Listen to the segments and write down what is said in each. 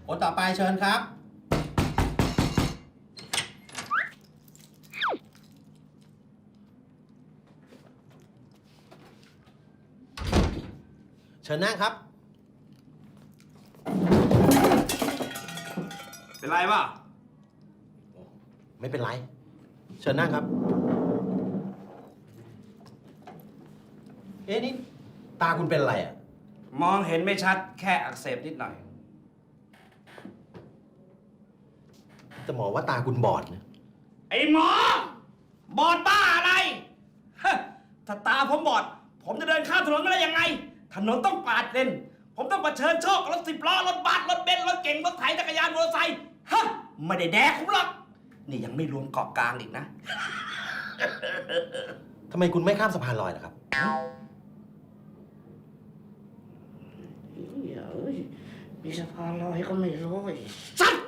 คนต่อไปเชิญครับเชิญนั่งครับเป็นไรวะไม่เป็นไรเชิญนั่งครับเอ๊ะนี่ตาคุณเป็นอะไรอ่ะมองเห็นไม่ชัดแค่อักเสบนิดหน่อยแต่หมอว่าตาคุณบอดนะไอ้หมอบอดบ้าอะไรฮะถ้าตาผมบอดผมจะเดินข้ามถนนไม่ได้ยังไงถนนต้องปาดเลนผมต้องเผชิญโชคกับรถ10 ล้อรถบัสรถเบนซ์รถเก๋งรถไถจักรยานมอเตอร์ไซค์ฮะไม่ได้แดกผมหรอกนี่ยังไม่รวมเกาะกลางอีกนะทำไมคุณไม่ข้ามสะพานลอยล่ะครับมีสะพานลอยก็ไม่รู้สัตว์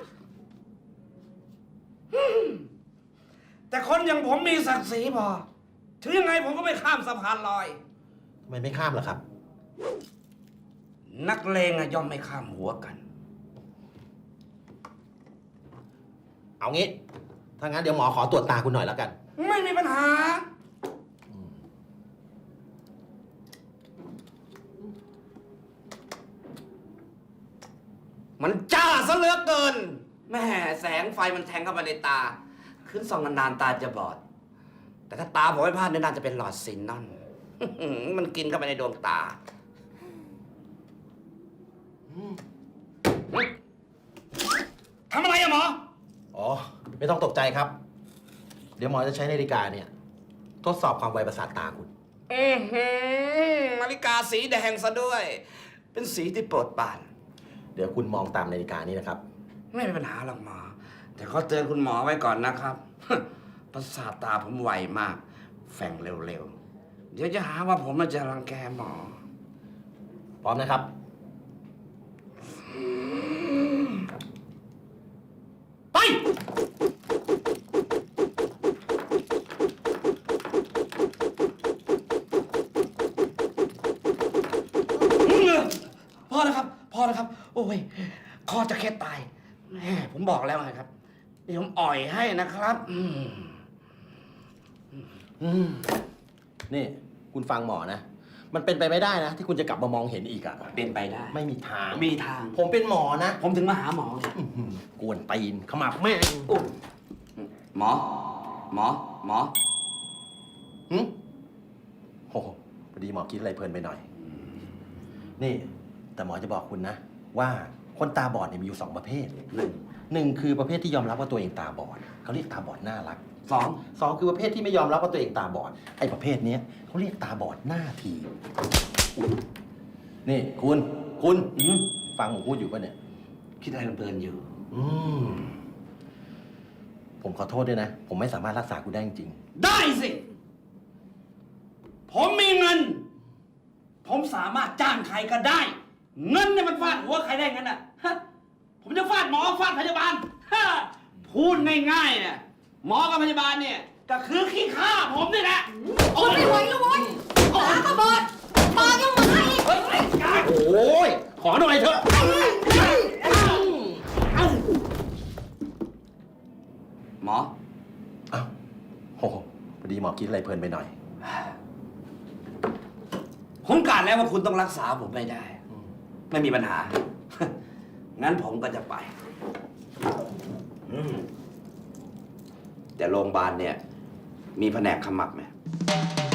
แต่คนอย่างผมมีศักดิ์ศรีพอถึงยังไงผมก็ไม่ข้ามสะพานลอยทำไมไม่ข้ามล่ะครับนักเลงย่อมไม่ข้ามหัวกันเอางี้ถ้างั้นเดี๋ยวหมอขอตรวจตาคุณหน่อยแล้วกันไม่มีปัญหามันจ้าซะเหลือเกินแม่แสงไฟมันแทงเข้ามาในตาขึ้นส่องนานๆตาจะบอดแต่ถ้าตาผมไม่พลาดเนี่ยน่าจะเป็นหลอดซินนอน มันกินเข้าไปในดวงตาทำอะไรอะหมออ๋อไม่ต้องตกใจครับเดี๋ยวหมอจะใช้นาฬิกาเนี่ยทดสอบความไวประสาทตาคุณนาฬิกาสีแดงซะด้วยเป็นสีที่โปรดปรานเดี๋ยวคุณมองตามนาฬิกานี้นะครับไม่มีปัญหาหรอกหมอแต่ขอเตือนคุณหมอไว้ก่อนนะครับ ประสาทตาผมไวมากแฝงเร็วๆเดี๋ยวจะหาว่าผมจะรังแกหมอพร้อมนะครับไปพอแล้วครับพอแล้วครับโอ้ยคอจะแค่ตายแม่ผมบอกแล้วไงครับเดี๋ยวผมอ่อยให้นะครับนี่คุณฟังหมอนะมันเป็นไปไม่ได้นะที่คุณจะกลับมามองเห็นอีกอะเป็นไปได้ไม่มีทางมีทางผมเป็นหมอนะผมถึงมาหาหมอกวนตีนขมับแม่งหมอโอ้พอดีหมอคิดอะไรเพลินไปหน่อยนี่แต่หมอจะบอกคุณนะว่าคนตาบอดเนี่ยมีอยู่2 ประเภทหนึ่งคือประเภทที่ยอมรับว่าตัวเองตาบอดเขาเรียกตาบอดน่ารักสองคือประเภทที่ไม่ยอมรับว่าตัวเองตาบอดไอ้ประเภทนี้เขาเรียกตาบอดหน้าทีนี่คุณฟังผมพูดอยู่ป่ะเนี่ยคิดอะไรเพลินอยู่ผมขอโทษด้วยนะผมไม่สามารถรักษาคุณได้จริงได้สิผมมีเงินผมสามารถจ้างใครก็ได้เงินเนี่ยมันฟาดหัวใครได้งั้นอ่ะผมจะฟาดหมอฟาดพยาบาลพูดง่ายๆเนี่ยหมอกับพยาบาลเนี่ยก็คือขี้ข้าผมนี่แหละโอ้ยไม่ไหวแล้วโว้ยตาก็บอดปากยังมาอีกโอ้ยขอหน่อยเถอะหมอโอ้พอดีหมอคิดอะไรเพลินไปหน่อยผมกะแล้วว่าคุณต้องรักษาผมไม่ได้ไม่มีปัญหางั้นผมก็จะไปแต่โรงพยาบาลเนี่ยมีแผนกขมับไหม